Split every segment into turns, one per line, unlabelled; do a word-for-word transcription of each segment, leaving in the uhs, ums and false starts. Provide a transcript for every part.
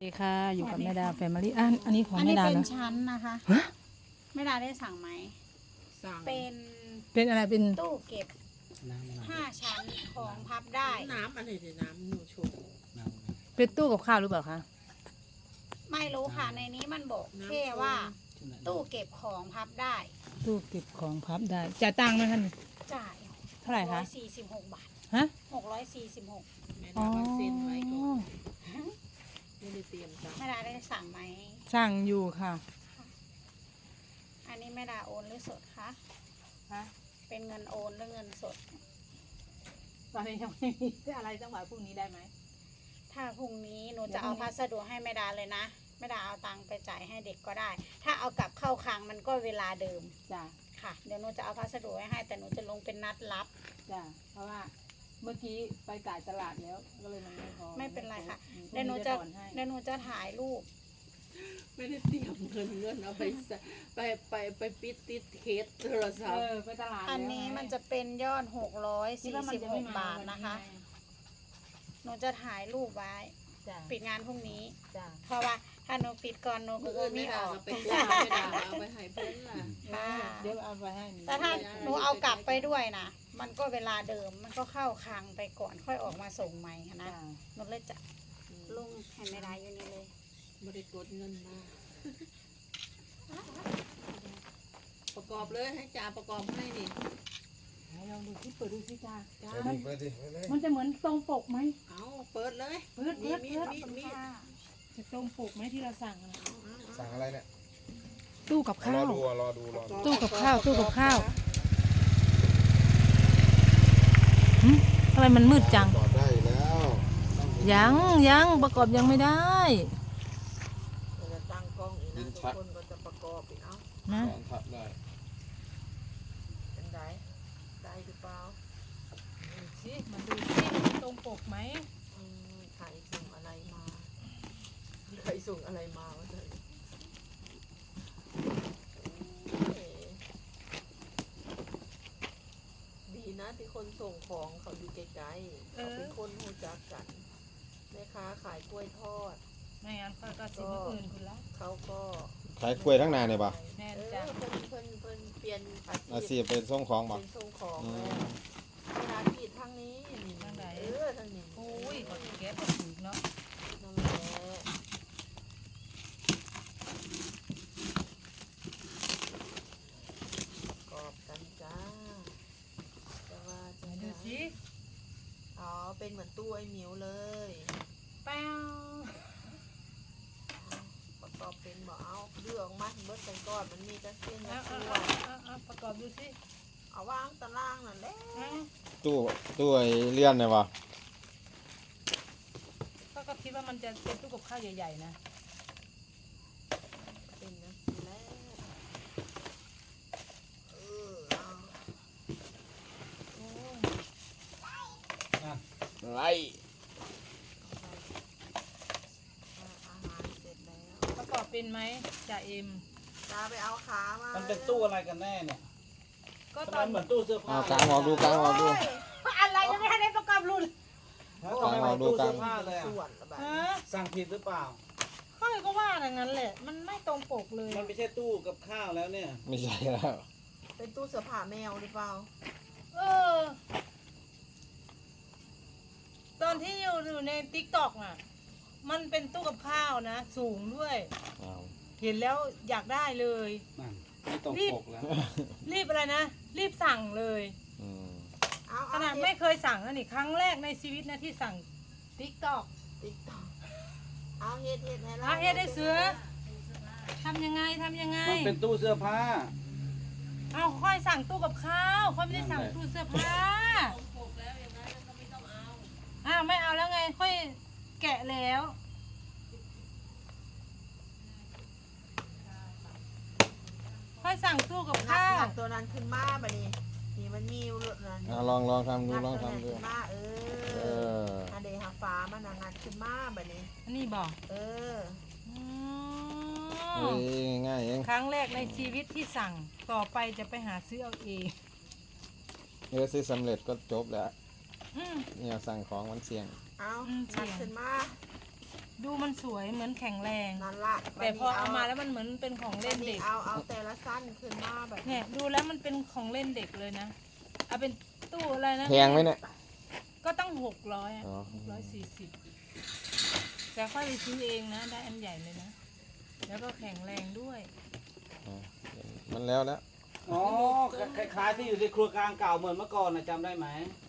ดีค่ะอยู่กับแม่ดาแฟมิลี่อันอันนี้ของ
อัน
แม่
นี้
ดา
เป็น
เนาะ
ชั้นนะคะแม่ดาได้สั่งไหม
สั่ง
เป็น
เป็นอะไรเป็น
ตู้เก็บ
น้ำอะไร
ห้าชั้นของพับได้
น้ำอะไรเดี๋ยวน้ำหนูโชว์
น้ำอะไร
เป็นตู้กับข้าวหรือเปล่าคะ
ไม่รู้ค่ะในนี้มันบอกแค่ว่า
ที่ไหน
ตู้เก็บของพับได้
ตู้เก็บของพับได้จ่ายตังค์ไหมคะนี่
จ่าย
เท่าไหร่
ร้
คะ
อยสี่สิบหกบาท
ฮะ
หกร้อยสี่สิบหก
แม่
อ๋อ
ดาว่าเซ็นไว้ก่อนไม่ได้เตรียมตังค์
แม่ดาได้สั่งไหม
สั่งอยู่ค่ะ
อันนี้แม่ดาโอนหรือสดคะ
ฮะ
เป็นเงินโอนหรือเงินสด
ตอนนี้ยังไม่มีอะไรจังหวะพรุ่งนี้ได้ไหม
ถ้าพรุ่งนี้หนูจะเอาพัสดุให้แม่ดาเลยนะแม่ดาเอาตังค์ไปจ่ายให้เด็กก็ได้ ถ้าเอากลับเข้าคลังมันก็เวลาเดิม
จ้ะ
ค่ะเดี๋ยวหนูจะเอาพัสดุไว้ให้แต่หนูจะลงเป็นนัดรับ
จ้ะเพราะว่าเมื่อกี้ไปจ่ายตลาดแล้วก็เลยมันไม่พอ
ไม่เป็นไรค่ะ
อืม
เดี๋ยวหนู
พรุ่ง
จะ
ถอนให้
เดี๋ยวหนูจะถ่ายรูป
ไม่ได้เตรียมเงินเงินเอาไปใส่ไปไปไปปิดติดเคสโทรศัพ
เอ
ท์
อไปตลาด
อันนี้มันจะเป็นยอดหกร้อย
คิด
สี่
ว่ามัน
สิบ
จะ
ห
ไม่
ก
ม
บาท
วั
นะคะ
ไง
หนูจะถ่ายรูปไว้
จ้ะ
ปิดงานพรุ่งนี้
จ้ะ
เพราะว่าถ้าหนูปิดก่อนหนูก็
เพื่อน
ไม่
ไม่
อ
ดา
อก
ก็ไปกดไม่ดาเอาไปให้เพื่อนล่ะ
ค่ะ
เดี๋ยวเอาไปให้นี่
แต่ถ้าหนูเอากลับไปด้วยนะมันก็เวลาเดิมมันก็เข้าคลังไปก่อนค่อยออกมาส่งใหม่ค่ะนะ
จ้ะ
หนูเลยจะลงให้ไม่ได้อยู่นี่เลย
ไม่ได้กดเงินมาประกอบเลยให้จ่าประกอบให้นี่
ไหนลองดูที่เปิดดูสิจ้า
จ้า
เปิดดิเปิดดิเปิดเลย
มันจะเหมือนตรงปกไหม
เอาเปิดเลย
เปิด
มี
เปิด
มี
เปิด
มีมี
จะตรงปกไหมที่เราสั่งอะ
สั่งอะไรเนี่ย
ตู้กับ
ร
ข้า
อ
ว
ดูอ่ะรอดูรอดู
ตู้กับข้าวตู้กับข้าว หึทำไมมันมืดจัง
จอดได้อยู่แล้ว
ยังยังประกอบยังไม่ได้
เราจะตั้งกล้องอีกนะทุกคนก็จะประกอบอีกเอา
นะ
สอนทับได้
เป็นไงได้หรือเปล่า
สิมาดูสิมันตรงปกไหม
อืมใครส่งอะไรมาใครส่งอะไรมาวะเธอเอ๋ดีนะที่คนส่งของเขาอยู่ไกลๆเขาเป็นคนรู้จักกันแม่ค้าขายกล้วยทอด
ไม่งั้นก็ก็สิบอื่นคุณละ
เขาก็
ขายกล้วยทั้งนานเนี่ยป่ะ
แม่น
เออ
จ้ะ
เพิ่นเพิ่นเพิ่นเปลี่ยนอา
อา
ชี
ชี
พ
พเป็นส่งของป่ะ
เป็นส่งของ
อื
แล้
ม
วเวลาขีดทางนี้นี่เออทางนี้
โอ้ยกดแก๊สก็ถูกเนาะ
นั่นแหละกอบกันจ้าจะว่าจะ
มาดู
ว่า
สิ
อ๋อเป็นเหมือนตู้ไอ้หมิวเลย
แป้ว
ประกอบเป็นบ่เอาเลือกมาเบิดกันก่อนมันมีกระเทียม
เอา
กระ
เอา
เทีย
เอาเอาเอาประกอบดูสิ
เอาวางตารางนั่นแหละ
เอา
ตู้ตู้ไอ้เลื่อนเนี่ยป่ะ
ก็ก็คิดว่ามันจะเป็นตู้กับข้าวใหญ่ๆนะ
เป็นนะสิแล้วเออเอา
โอ้ย
ไร
อาหารเสร็จแล้ว
ประกอบเป็นไหมจ่าเอ็ม
จ้าไปเอาขามา
มันเป็นตู้อะไรกันแน่เนี่ย
ก็
ทำ
ต
ไม
อน
เหมือนตู้เสื้อผ้า
เอากางออกดูกางออกดู
อะไรยังไม่ทันได้ประกอบรุ่น
แล้วทำไมเหมือนตู้เสื้อผ้าเลย
ส่ว
อะ
นละแบบ
ฮะ
สั่งผิดหรือเปล่า
ค่อยก็ว่าอย่างนั้นแหละ มันไม่ตรงปกเลย
มันไม่ใช่ตู้กับข้าวแล้วเนี่ย
ไม่ใช่แล้ว
เป็นตู้เสื้อผ้าแมวหรือเปล่า
เออ ตอนที่อยู่อยู่ในติ๊กต็อกอ่ะ มันเป็นตู้กับข้าวนะ สูงด้วย
เอา
เห็นแล้วอยากได้เลย
นั่นไม่ตรงปกแล้ว
รีบอะไรนะ รีบสั่งเลย
อืม
เอา
ขนาดไม่เคยสั่งนะนี่ครั้งแรกในชีวิตนะที่สั่งติ๊กต็อก
ติ๊กต็อกเอาเฮ็ดเฮ็ดให้เรา
อาเฮ็ดได้เสือทำยังไงทำยังไง
มันเป็นตู้เสื้อผ้า
เอาค่อยสั่งตู้กับข้าวค่อยไม่ได้สั่ง
นั่นแหละ
ตู้เสื้อผ้าอ้าวไม่เอาแล้วไง ค่อยแกะแล้ว ค่อยสั่งตู้กับ
งัด
ข้าว
งัดตัวนั้นขึ้นมาบัดนี้นี่มันมีอยู่นั่น
เอาลองลองทำดู
งัด
ลอง
ตัวนั้น
ทำดู
ขึ้นมาเอ
เอ
อ
อ
อันเดหาฟ้ามันน่ะงัดขึ้นมาบัดนี้
อันนี้บอก
เออ
อื
เฮ้
ม
ยง่ายเอง
ครั้งแรกในชีวิตที่สั่งต่อไปจะไปหาซื้อเอาเอง
เออซื้อสำเร็จก็จบแล้ว
อืม
เนี่ยสั่งของมันเสี่ยง
เอา
อืม
งัด
เสี่ยง
ขึ้นมา
ดูมันสวยเหมือนแข็งแรง
นั่นละ
แต่พอเอามาแล้วมันเหมือนเป็นของเล่นเด็ก
เอาเอาแต่ละสั้นขึ้นมาแบบ
เนี่ยดูแล้วมันเป็นของเล่นเด็กเลยนะเอาเป็นตู้อะไรนะ
แพงไหมเนี่ย
ก็ต้องหกร้อย
อ๋อ
หกร้อยสี่สิบแต่ค่อยไปซื้อเองนะได้อันใหญ่เลยนะแล้วก็แข็งแรงด้วย
มันแล้วแล้ว
อ๋อคล้ายๆที่อยู่ในครัวกลางเก่าเหมือนเมื่อก่อนนะจำได้ไหม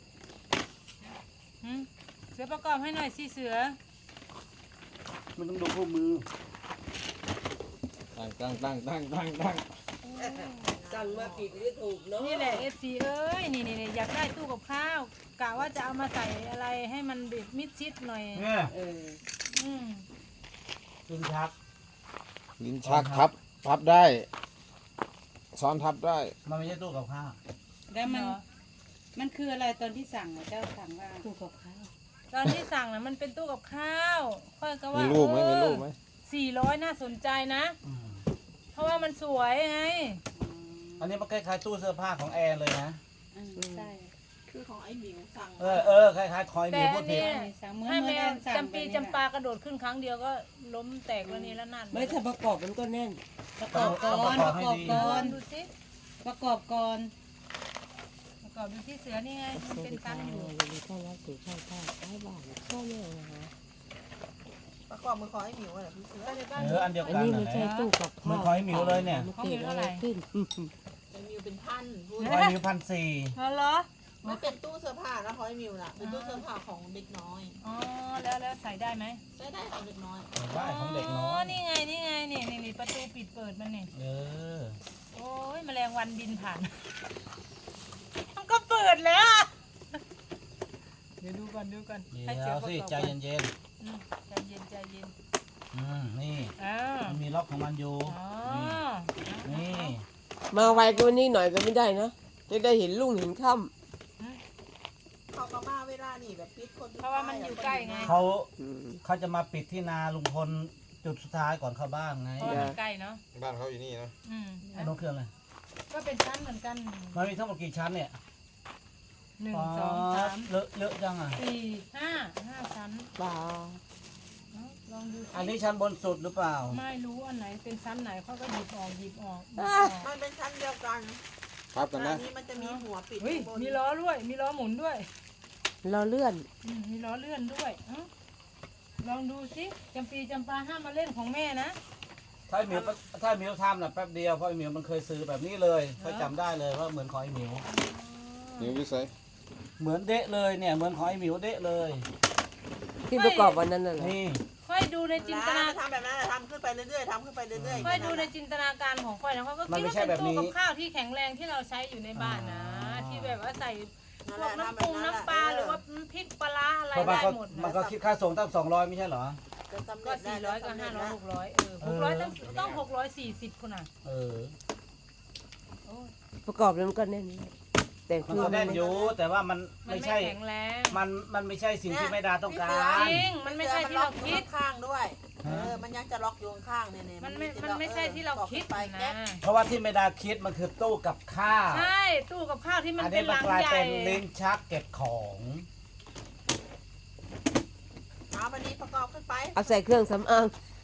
หืมเสือประกอบให้หน่อยสิเสือ
มันต้องดูคู่มือ
ตั้งตั้งตั้งตั้งตั้งตั้ง
สั่งมาผิดไม่ถูกเนาะ
นี่แหละเอฟซีเอ้ยนี่นี่นี่อยากได้ตู้กับข้าวกะว่าจะเอามาใส่อะไรให้มันบิดมิดชิดหน่อย
เนี่ย
เออ
อืม
กินชัก
ลิ้นชักทับทับได้ซ้อนทับได้
มันไม่ใช่ตู้กับข้าว
แล้วมัน
เหรอ
มันคืออะไรตอนที่สั่งอะเจ้าสั่งว่าตู้กับข้าว
ตอนที่สั่งนะมันเป็นตู้กับข้าว ค่อยก็ว่า
มีรูปไหมมีรูปไหม
สี่ร้อยน่าสนใจนะ
อืม
เพราะว่ามันสวยไง
อันนี้มันคล้ายๆตู้เสื้อผ้าของแอนเลยนะ
อืมใช่
คือของไอ้หมิวสั่ง
เออเออคล้ายๆคอยมี
แต่
พู
อั
ด
น
ผิด
เนี้ย
สั่งเหมือน
ให้
เหมื
แม
อน
ว
สั่ง
จำปี
แบบนี้
จำปากระโดดขึ้นครั้งเดียวก็ล้มแตกแล้วนี่แล้วนั่น
ไม่ถ้าประกอบมันก็แน่น
ประกอบก่อนประกอบก่อน
ดูสิ
ประกอบก่อน
ประกอบดูที่เสือนี่ไงมันเป็นกันอยู่
อย่างนี้ต้อนรับสู่ช่างภาพใต้บ้านช่องแม่นะฮะ
ประกอบมือของไอ้หมิวอะไรพี่เสือ
เอออันเดียว
อัน
กัน
นี้
นั่
มัน
นแห
ใช่
ละ
ตู้กับข้าว
มันคอยหมิวเลยเนี่ย
มันเกิดอะไรขึ้น
ไอ้หมิวเป็นพันพูด
คอยหมิวพันสี่
อ๋อเหรอ
ไม่เป็นตู้เสื้อผ้านะของไอ้หมิวน่ะเป็นตู้เสื้อผ้าของเด็กน้อย
อ๋อแล้วแล้วใส่ได้ไหม
ใช้ได้ของเด็กน้อย
ได้ของเด็กน้อย
นี่ไงนี่ไงนี่นี่นี่ประตูปิดเปิดมันนี่
เออ
โอ้ยแมลงวันบินผ่าน มันก็เปิดแล้วอะเดี๋ยวดูก่อนดูก่อน
เดี๋
ให้เสื
ย
อ
ว
ประ
สิ
กอบ
ใจ
ก่อน
เย็น
อืมใจเย็นใจเย็น
ๆอืมนี่
อ้าว
มันมีล็อกของมันอยู่
อ๋อ
นี่
มาไวกว่านี้หน่อยก็ไม่ได้นะ จะได้เห็นลุงเห็นค่
เขาก็มาเวลานี่แบบปิดคน
เพราะว่ามันอยู่ใกล้ไง
เขา
ำอืม
เขาจะมาปิดที่นาลุงพลจุดสุดท้ายก่อนเข้าบ้านไง
เพราะว่ามันใกล้เนาะ
บ้านเขาอยู่นี่นะ
อืม
ไอ้น้องเครื่องเลย
ก็เป็นชั้นเหมือนกัน
มันมีทั้งหมดกี่ชั้นเนี่ย
หนึ่งสองสาม
เลอะเลอะจังอ่ะ
สี่ห้าห้าชั้น
เปล่า
เอาลองดูสิ
อันนี้ชั้นบนสุดหรือเปล่า
ไม่รู้อันไหนเป็นชั้นไหนเขาก็หยิบออกหยิบออกหยิบออก
มันเป็นชั้นเดียวกัน
ทับกัน
อั
นะ
นนี้มันจะมีหัวปิด
เฮ้ย
ข้างบน
มีล้อด้วย มีล้อหมุนด้วย
เราเลื่อน
อืมมีล้อเลื่อนด้วยเอ้าลองดูสิจำปีจำปาห้ามมาเล่นของแม่นะ
ถ้าไอ้หมิวถ้าไอ้หมิวทำน่ะแป๊บเดียวเพราะไอ้หมิวมันเคยซื้อแบบนี้เลยเขาจำได้เลยว่าเหมือนของไอ้หมิว
นิ้ววิสัย
เหมือนเดะเลยเนี่ยเหมือนของไอ้หมิวเดะเลย
ที่ประกอบวันนั้นน่ะเหรอ
นี่
ค่อยดูในจินตนา
ทำแบบนั้นทำขึ้นไปเรื่อยๆทำขึ้นไปเรื่อยๆ
ค่อยดูในจินตนาการของค่อยนะเขาก็คิดว่าเป็นตู้กับข้าวที่แข็งแรงที่เราใช้อยู่ในบ้านนะ ที่แบบว่าใส่พวกน้ำปรุงน้ำปลาหรือว่าพริกปลาร้าอะไร
เพราะมัน
ได้
ก็
หมด
มัน
นะ
ก็คิดค่าส่งตั้งสองร้อยไม่ใช่เหรอ
จะสำ
ก็
เร็จได้
สี่ร้อยก็ห้าร้อยหกร้อยเออหกร้อยต้องต้องหกร้อยสี่สิบคนน่ะ
เออ
โอ้ย
ประกอบแล้วมันก็แน่น แต่
มัน
คือ
ก็
มัน
แน่น
ไม่
อยู่แต่ว่ามัน
มัน
ไม่
ไม่
ใช่
แข็งแรง
มันมันไม่ใช่สิ่งที่แม่ดาต้องการ
จริงมันไม่ใช่ที่เราคิด
ข้างด้วยเออมันยังจะล็อกอยู่ข้างเนี่ยเนี่ย
มันไม่มันไม่ใช่ที่เราคิด
ไป
นะ
แก๊ป
เพราะว่าที่แม่ดาคิดมันคือตู้กับข้าว
ใช่ตู้กับข้าวที่มัน
อัน
เป็
นี้
นห
มัน
ลัง
กลาย
ใหญ่
เป็นลิ้นชักเก็บของ
เอาวันนี้ประกอบขึ้นไป
เอาใส่เครื่องสำอาง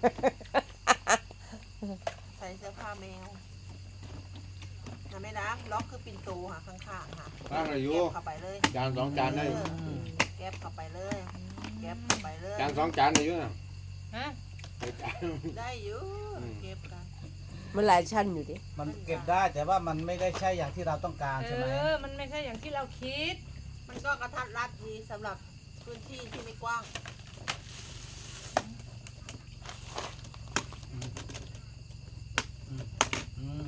ใส่เสื้อผ้าแมวนะแม่นะล็อกคือปิ่นโตค่ะข้างๆค่ะ
ตั้งอายุ
เก็บเข้าไปเลย
จานสองจานได้
เออเก็บเข้าไปเลยเก็บเข้าไปเลย
จานสองจานอายุน่ะ
ฮะ
เดี๋ยวจาน
ได้อยู่
อืม
เก็บกัน
มันหลายชั้นอยู่ดิ
มันเก็บได้แต่ว่ามันไม่ได้ใช่อย่างที่เราต้องการ
เอ
ใช่ไหม
อมันไม่ใช่อย่างที่เราคิด
มันก็กระทัดรัดดีสำหรับพื้นที่ที่ไม่กว้าง
อืม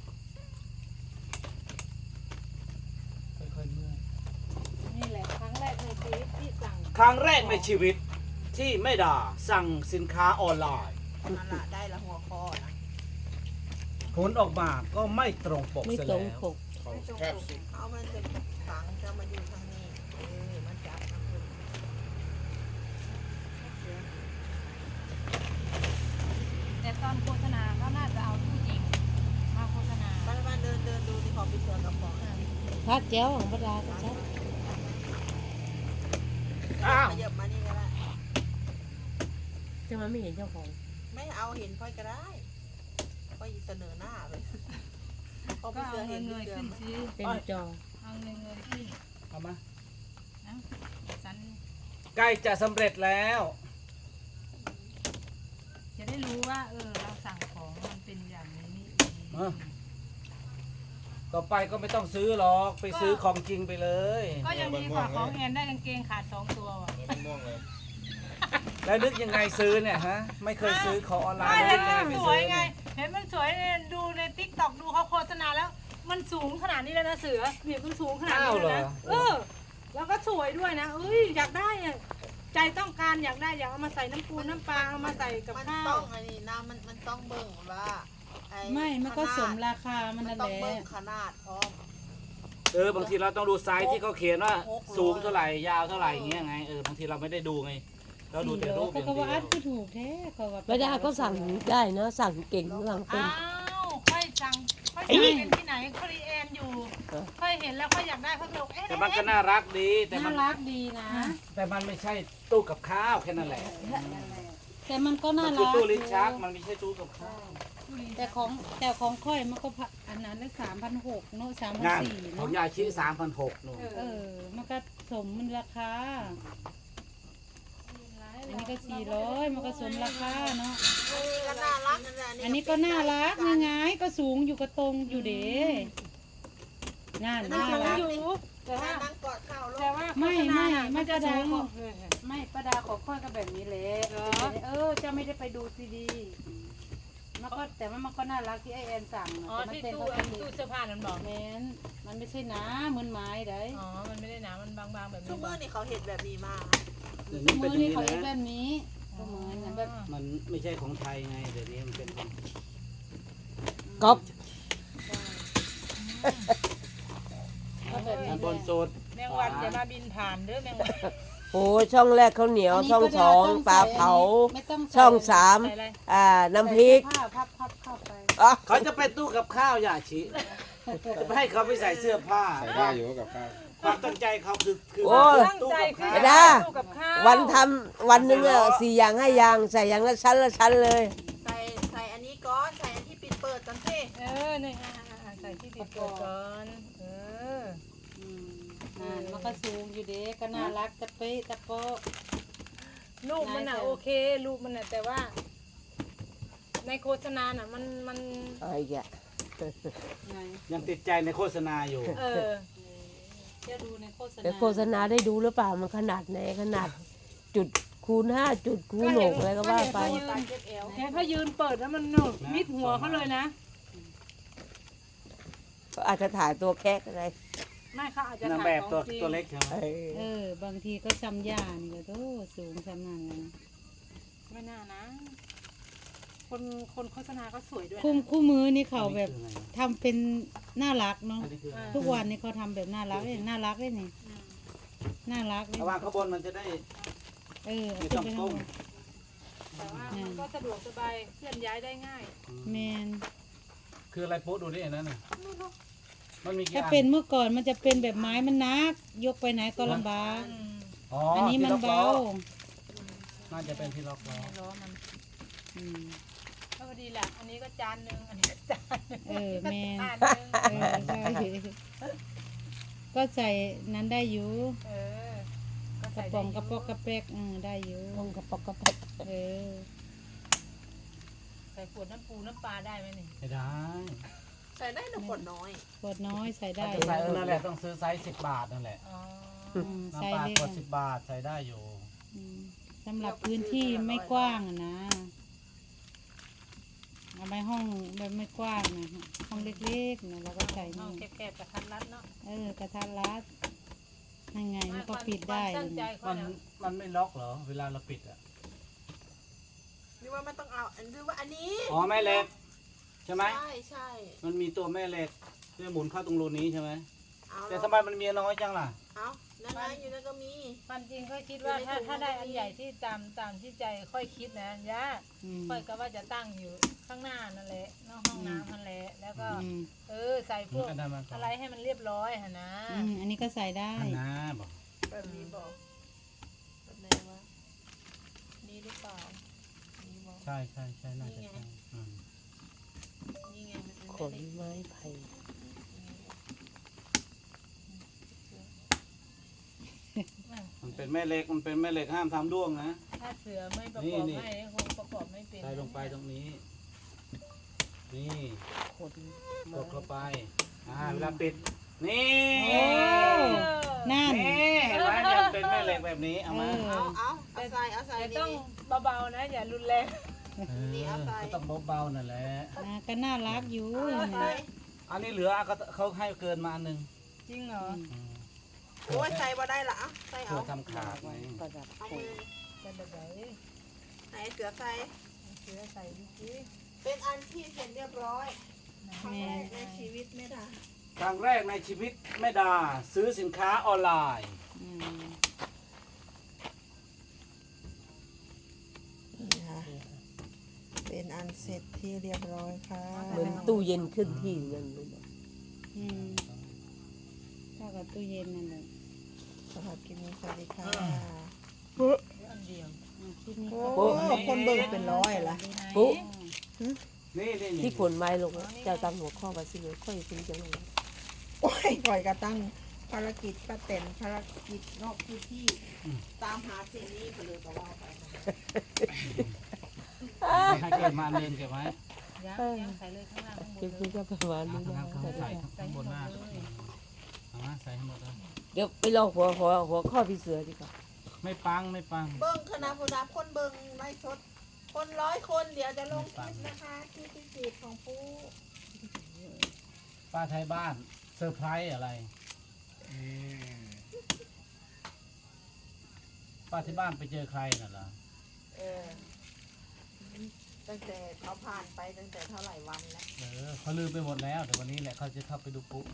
ค่อยๆเมื่อย
นี่แหละครั้งแรกในชีวิตที่สั่ง
ครั้งแรกในชีวิตที่แม่ดาสั่งสินค้าออนไลน์
นั่นละได้ละหัวคอนะ
ผลออกมาก็ไม่ตรงปก
ไม่
เสีย
ตรง
แล้ว
ปก
เขา
ไม่จง
แคบ
ปลูก
สิ
เอามันจะฝังจะมาอยู่ทางนี้เออมันจับนะคุณ
แต่ตอนโฆษณาก็น่าจะเอาตู้จริงมาโฆษณา
บ้านบ้านเดินเดินดูที่ขอบไปเสือกระป๋อง
พักแก้วของประดาก็ชัด
อ้าว
ขยับมานี่ก็ได้
จะ
ช่ไหมไม่เห็นเจ้าของ
ไม่เอาเห็นค่อยก็ได้ค่อยเสนอหน้าเลยเขา
ก็
ไม่
เอา
เสือ
เง
เห็น
ย
เสื
ๆ
อ
ขึ้น
ไหม
สิ
เป็นจอ
เอาเงยๆขึ้น
เอามา
นะสัน
ใกล้จะสำเร็จแล้ว
จะได้รู้ว่า เออ เราสั่งของมันเป็นอย่างนี้นี่เอง
เออ ต่อไปก็ไม่ต้องซื้อหรอกไปซื้อของจริงไปเลย
ก็ยังดีกว่าของแอนได้กางเกงขาดสองตัวว่ะ
แล้วนึกยังไงซื้อเนี่ยฮะ ไม่เคยซื้อของออนไล
ไม่
น์
เห็
นึ
น
กยังไง
มัน
ไม่
สว
ซื้
ย
อ
ไง
เนี่ย
เห็นมันสวยเนี่ยดูในติ๊กต็อกดูเขาโฆษณาแล้ว มันสูงขนาดนี้แล้วนะเสือเนี่ยมันสูงขนาดนี้แล้วนะเออ แล้วก็สวยด้วยนะเอ้ยอยากได้อะใจต้องการอยากได้อยากเอามาใส่น้ำปูน้ำปลาเอามาใส่กับ
มัน
ข้า
ต้
ว
องอันนี้นะมันมันต้องเบิ่งว่าอ้
ไม่มันก็สม
ขนาด
ราคามัน
มัน
นั่น
ต้อง
แห
เบิ่ง
ละ
ขนาดพร้อม
เออบางทีเราต้องดูไซส์ที่เขาเขียนว่า
หกร้อย
สูงเท่าไหร่ยาวเท่าไหร่อย่างเงี้ยไงเออบางทีเราไม่ได้ดูไง เราดูแต่รูปอ
ก็
ย่าง
ก็
เดี
ว่าอัด
ยว
คือถูกแท้ก็ว่า
ไม่ได้ก็สั่งได้เนอะสั่งเก่งสั่งเป็น
อ้าวค่อยสั่งค่อยสั่งเป็นที่ไหนครีแอนอยู่ค่อยเห็นแล้วค่อยอยากได้ค่อยบอกเอ๊ะ
แต่มันก็น่ารักดีแต่มั
น่าน รักดีนะ
แต่มันไม่ใช่ตู้กับข้าวแค่นั้นแหละ
แต่มันก็
มั
น่าน
คือ
รัก
ตู้ลิ้นชักมันไม่ใช่ตู้กับข้าว
แต่ของแต่ของค่อยมันก็พะอันนั้นได้สามพันหกเนาะสามพัน
งาน
สี่
ของ
เนาะ
ยาชีสามพันหกนู่น
เออ มันก็สมมันราคา อันนี้ก็สี่ร้อยมันก็สมราคาเนาะ
อันนี้ก็น่ารักนั่นแหละ
อันนี้ก็น่ารักยังไงก็สูงอยู่กระตรงอยู่เด้งาน
มัน
น่า
สูง
รัก
อยู่แต่
แต่
ว่า
นั่งกอดเข่าล
แต่
ง
ว่า
ไม่
โฆษณา
ไม่
น่ะ
ไม่
นจะ
ประดา
สูง
ของไม่ประดาของค่อยก็แบบนี้แหละ
เหรอ
เออจะไม่ได้ไปดูซีดีมันก็แต่ว่ามันก็น่ารักที่ไอแอนสั่งนะ
อ๋อ
แต่มัน
ที่
เป็น
ตู้
เขาเป็น
ตู้เสื้อผ้านั่นบอก
แมนมันไม่ใช่หนาเหมือนไม้ได้
อ๋อมันไม่ได้หนามันบางๆแบบ
ทุ
นี้
กมือนี่เขาเห็นแบบนี้มา
เดี๋ยว
มื
นี้เป็น
อ
อย่าง
นี่
นี้
เขาเอ็นแบ
นะ
บนี้ก็เหมือนกันแบบ
มันไม่ใช่ของไทยไงเดี๋ยวนี้มันเป็นของ
ก๊อป
ก็แบบนี้
อัน
แห
บ
ละ
นสุด
แมงวันอย่ามาบินผ่านเด้อแมงวัน
โอ้ช่องแรกข้าวเหนียวช่องสองปลาเผา
ไม่ต้องใ
ช่องสาม
ใส่อะไร
อ่าน้ำพริก
ใส่เสื้อผ้าพับพับเข้าไป
อ๋อ
เขาจะเป็นตู้กับข้าวยาชีจะไม่ให้เขาไปใส่เสื้อผ้า
ใส่ได้อยู่กับข้าว
ความตั้งใจเขาคือคือ
โอ้ย
ตั้งใจขึ้น
ไม่ได้
ตู้กับข้าว
วันทำวันหนึ่งอะสี่อย่างห้าอย่างใส่อย่างละชั้นละชั้นเลย
ใส่ใส่อันนี้ก่อนใส่อันที่ปิดเปิดจังสิ
เออนี่อ่าๆๆใส่ที่ติดตัวก่อนเออ
อืมนั่นมันก็สูงอยู่เด้ก็น่ารักตะเป๊ะตะโป๊ะ
รูปมันอ่ะ
นายใส่
โอเครูปมันอ่ะแต่ว่า ในโฆษณาน่ะมันมัน
อะไรแก
ไง
ยังติดใจในโฆษณาอยู่
เออ
เดี๋ยวดูในโฆษณา
แต่โฆษณาได้ดูหรือเปล่ามันขนาดไหนขนาดจุดคูณห้าจุดคูณหกอะไรก็ว่าไป
ก็เห็น
ตาเก็บเอว
เห็นเขายืนเปิดแล้วมันหนุกมิดหัวเขาเลยนะ
ก็อาจจะถ่ายตัวแค่อะไร
ไม่เขาอาจจะ
นาง
ถ่า
แบ
ย
บ
ของ
ตัว
จริง
ตัวเล็กใช่ไหม
เออ
เออบางทีก็ซ้ำยานี่ก็โตสูงซ้ำนั่นเลยนะ
ไม่น่านะ คนคนโฆษณาก็สวยด้วยนะ
คู่คู่มือนี่เขาแบบ
อันนี้คืออะไร
ทำเป็นน่ารักเนาะ
อันนี้คืออะไร
ทุกวันนี่เขาทำแบบน่ารักเลยน่ารักเลยนี่
อืม
น่ารักเลย
เอาวางข้างบนมันจะได้
เออ
ไม่
ขึ้
ต้อน ง
ไปข้าง
ก้
บ
ม
น
แต่ว่ามันก็สะดวกสบายเคลื่อนย้ายได้ง่าย
แมน
คืออะไรโป๊ะดูดิอันนั้นน่ะมันมีกี่
ถ้า
อัน
เป็นเมื่อก่อนมันจะเป็นแบบไม้มันนัก ยกไปไหนก็ลำบาก
อืม
อ๋อ
อั
อั
นนี้มันเบา
น่าจะเป็นที่ล็อกล้อ
ไม่ล้อมัน
อืม
ก็พอดีแหละ อันนี้ก็จานหนึ่งอันนี้ก็จานหนึ่ง
เออแม่
จานหนึ่ง
เออใช่ก็ใส่นั้นได้อยู่
เออ ก็
กระ
ใส่
ป๋
ได้
อง
ยู่
กระปอกกระแปกเออได้อยู่
ลงกระปอกกระแปก
เออ
ใส่ขวดน้ำปูน้ำปลาได้ไหมนี่
ไม่ได้
ใส่ได้หนึ่งขวดน้อย
ขวดน้อยใส่
ถ้า
ได้
จะใส่นั่นแหละต้องซื้อไซส์สิบบาทนั่นแหละ
อ๋อ
อืมใส่
น้ำปลา
เล็ก
ขวด
อะ
สิบบาทใส่ได้อยู่
อืมสำหรับพื้นที่ไม่กว้างอะนะเอาไปห้องแบบไม่กว้างนะห้องเล็กๆนะเราก็ใส่
ห้อง
นี่
แคบๆกระทัดรัดเนาะ
เออกระทัดรัดยังไงมันก็ปิดได้
ความตั้งใจ
เลย
เขา
มัน
เนี่ย
มันไม่ล็อกเหรอ เวลาเราปิดอ่ะ
นี่ว่ามันต้องเอาอันนี้ว่าอันนี้
อ๋อแม่เหล็กใช่ไหม
ใช่ใช่
มันมีตัวแม่เหล็กที่หมุนเข้าตรงรูนี้ใช่ไหม
เอา
แต่ทำไมมันมีน้อยจังล่ะ
เอานั่นไงอยู่นั่นก็มี
ความจริงค่อยคิดว่าถ้าถ้าได้อันใหญ่ที่ตามตามที่ใจค่อยคิดนะย่า
อืม
ค่อยก็ว่าจะตั้งอยู่ข้างหน้านั่นแหละนอกห้องน้ำนั่นแหละแล้วก็
อืม
เออใส่พวก
อันนั้นมาก่อน
อะไรให้มันเรียบร้อยหะนะ
อืมอันนี้ก็ใส่ได้
อันน้าบอก
แบบนี้บอกแบบไหนวะนี่หรือเปล่า
ใช่ใช่ใช่น่าจะใช่อืม
นี่ไงมันเป็น
ข
แม่
น
เหล็ก
ไม้ไผ่
มันเป็นแม่เหล็กมันเป็นแม่เหล็กห้ามทำด้วงนะ
ถ้าเสือไม่ประ
นี่
กอบ
นี่
ให้คงประกอบไม่เป็น
ใส่ลงไปตรงนี้ นี่
ขน
กดเข้าไปอ่าเวลาปิด นี่
นั่น
นี่เห็นไหมมันเป็นแม่เหล็กแบบนี้เอามา
เอาเอาเอาใส่เอาใส่
แต่
ดี
ต้องเบาๆนะ อย่ารุนแรง
เออก็ต้องเบาๆนั่นแหละ
อ่าก็น่ารักอยู่
ๆเอาใส่
อันนี้เหลือก็เขาให้เกินมาอันหนึ่ง
จริงเหรอ
อืม
โอ้ยใส่บ่ได้ละเอาใส่
เพื่
เอา
อทำขาดไง
ประดับ
เอา
ข
มื
น
อ
เป็นแบบไหน
ไหนเสือใส่
เสือใส่ดิจิ
เป็นอันที่เสร็จเรียบร้อยครั้งแรกในชีวิตไม่ได้
ครั้งแรกในชีวิตแม่ดาซื้อสินค้าออนไลน์
อืม
เป็นอันเสร็จที่เรียบร้อยค่ะ
เหมือนตู้เย็นขึ้นที่เงินเลยนะ
อืมเท่ากับตู้เย็นนั่นแหละ
สำหรับคลิปนี้สวัสดีค่ะ
อันเดียว
อ่าคลิปนี้
โอ้
ก็
คนเบิ่งเป็นร้อยละ
ปุ๊
นี่นี่นี่
ที่ขนไม้ลงนะเจ้าตามหัวข้อมาสิเลยค่อยคุณจะลง
โอ้ยปล่อยกระตั้งภารกิจป้าเต็นภารกิจนอกพื้นที่ตามหาสิ่งนี้ไปเลยก็ว่าไป
ให้เกินมาอันหนึ่งเก็บไว้
ย่างย่างใส่เลยข้างล่างข้างบ
คลิป
น
นี้ก็ประมาณนี้นะ
ข้างใส่ข้างบนหน้าเอามาใส่ให้หมดเลย
เดี๋ยวไปลองหัวหัวหัวข้อพี่เสือดีกว่า
ไม่ปังไม่ปัง
เบิ้งคณะผู้นำคนเบิ้งไล่สด คนร้อยคนเดี๋ยวจะลงคลิปนะคะที่พิเศษของปู
ป้าไทยบ้านเซอร์ไพรส์อะไรป้าที่บ้านไปเจอใครน่ะเหรอ
เออตั้งแต่เขาผ่านไปตั้งแต่เท่าไหร่วันแล้ว
เออเขาลืมไปหมดแล้วแต่วันนี้แหละเขาจะเข้าไปดูปุ๊บ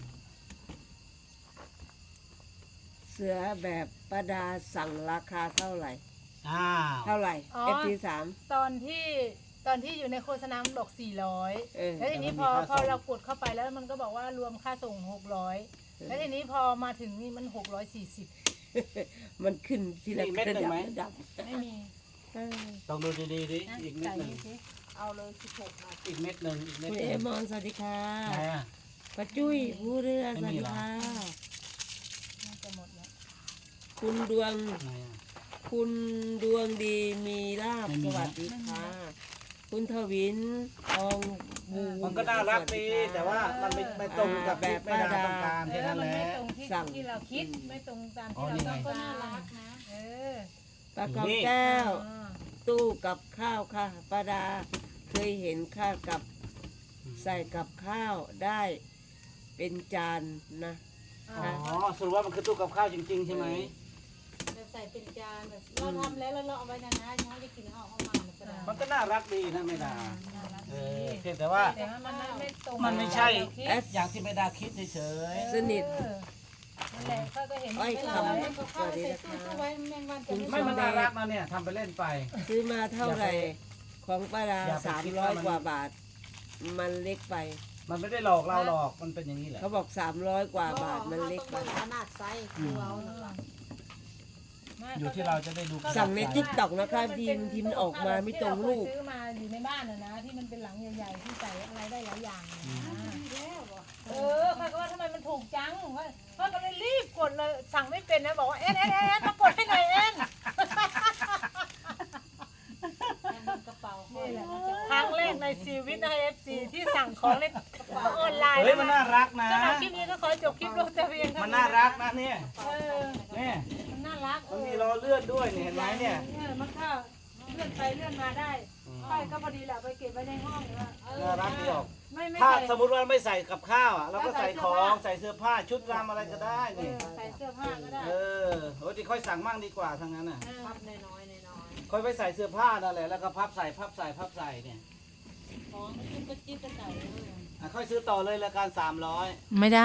เสือแบบประดาสั่งราคาเท่าไหร่
อ้าว
เท่าไหร่
อ๋อ
เอฟทีสาม
ตอนที่ตอนที่อยู่ในโฆษณามันบอกสี่ร้อย
เออ
แล้วทีนี้พอพอเรากดเข้าไปแล้วมันก็บอกว่ารวมค่าส่งหกร้อยแล้วทีนี้พอมาถึงนี่มันหกร้อยสี่สิบ
มันขึ้นทีละ
มีเม็ดหนึ่งไหม
ระดับ
ไม่มี
เออ
ต้องดูดีๆดิ
นะ
อีกเม็ด
ใส่
หนึ่ง
นี่สิ
เอาเลยสิบหกนาที
อีกเม็ดหนึ่งอีกเม็ด
คุณ
ห
เอ
นึ่ง
มอนสวัสดีค่ะ
ไหนอ่ะ
ป้าจุ้ยผู้เรือส
ไม่
วัส
มี
ดี
เหรอ
ค่ะ
น่าจะหมดแล้ว
คุณดวง
ไหนอ่ะ
คุณดวงดีมีลาบ
ไม่มี
สวัสดีค่ะ คุณทวินทองบู
มันก็น่ารักดีแต่ว่ามันไม่ไม่ตรงกับแบบแม่ดาต้องการ
เอ
แค่
อ
นั้น
มัน
แหละ
ไม่ตรงที่ที่เราคิดไม่ตรงตาม
อ๋อ
ที่เรา
นี่ไง
ต้อง
ก็
กา
น่าร รักนะ
เออ
ปลาคำแก้ว
อ่า
ตู้กับข้าวค่ะป้าดา เคยเห็นข้าวกับใส่กับข้าวได้เป็นจานนะ
อ่า
อ๋อสรุปว่ามันคือตู้กับข้าวจริง ๆ ใช่ไหม
แบบใส่เป็นจานแบบเราทำแล้วแล้วเราเอาไว้นานๆย้อนจะกินเอาเอามาแล้วก็ได้
มันก็น่ารักดีนะแม่ดา
น่ารัก
เอ
ดี
อเพียงแต่ว่า
แต่ว่ามันไม่ตรง
มันไม่ใช่
กับเราคิด
เอส
อย่างที่แม่ดาคิดเฉย
สนิท
เออนั่นแหละเขาก็เห็น
อ้อย
ไม่
ค
ร้อย
เอาเข้าไปใส่ตู้เข้าไว้แมงวันจะ
ๆ
ไม่
ไม่มันน่ารักนะเนี่ยทำไปเล่นไป
ซื้อมาเท่าไหร่ ของป้าดา
อย่าไป
สาม
คิด
ร้อย
ว่ามัน
กว่าบาท มันเล็กไป
มันไม่ได้หลอกเราหรอกมันเป็นอย่างนี้แหละ
เขาบอกสามร้อยกว่าบาทมันเล็ก
ต้
ไป
องเบิ่งขนาดไซส์คือเอานั่นล่ะ
ไม่
อยู่ที่เราจะได้ดู
สั่งในติ๊กต็อกนะคะทีมทีมนออกมาไม่ตรงรูป
ที่เาเคยซื้อมาอยู่ในบ้านน่ะนะที่มันเป็นหลังใหญ่ๆที่ใส่อะไรได้หลายอย่างนะเออเขาก็ว่าทำไมมันถูกจังเขาก็เลยรีบกดเลยสั่งไม่เป็นนะบอกว่าเอ็นเอ็นเอ็นมากดให้หน่อยเอ็น
กระเป๋าห้อ
นี่
ย
แหละครั้งแรกในชีวิตนะเอฟซีที่สั่งของในออนไลน์
เฮ้ยมันน่ารักนะ
สำหรับคลิปนี้ก็ขอจบคลิปลงแต่เพียงเท่า
มัน
นี้
น่ารักนะเนี่ย
เออ
เนี่ย
มันน่ารักเอ
มัน
อ
มีรอเลื่อนด้วยเนี่ยเห็นไหมเนี่ย
เออมันก็เลื่อนไปเลื่อนมาได้ค่อยก็พอดีแหละไปเก็บไว้ในห้องนะเออ
น่ารักดีออก
ไม่ไม่
ถ้า
ใส่
สมมติว่าไม่ใส่กับข้าวอ่ะเราก็ใส่ของ
ใส่
ใส่เสื้อผ้าชุดรำอะไรก็ได้
เอ
นี่
อใส่เสื้อผ้าก็ได้
เออโอ้ยค่อยสั่งมั่งดีกว่าทั้งนั้นน่ะ
เออ
พับน้อยๆน้อย
ค่อยไปใส่เสื้อผ้านั่นแหละแล้วก็พับใส่พับใส่พับใส่เนี่ย
ของก็จิ้มก็จิ้มกระเป๋าเลย
อ่ะค่อยซื้อต่อเลยละกันสามร้อย
ไม่ได้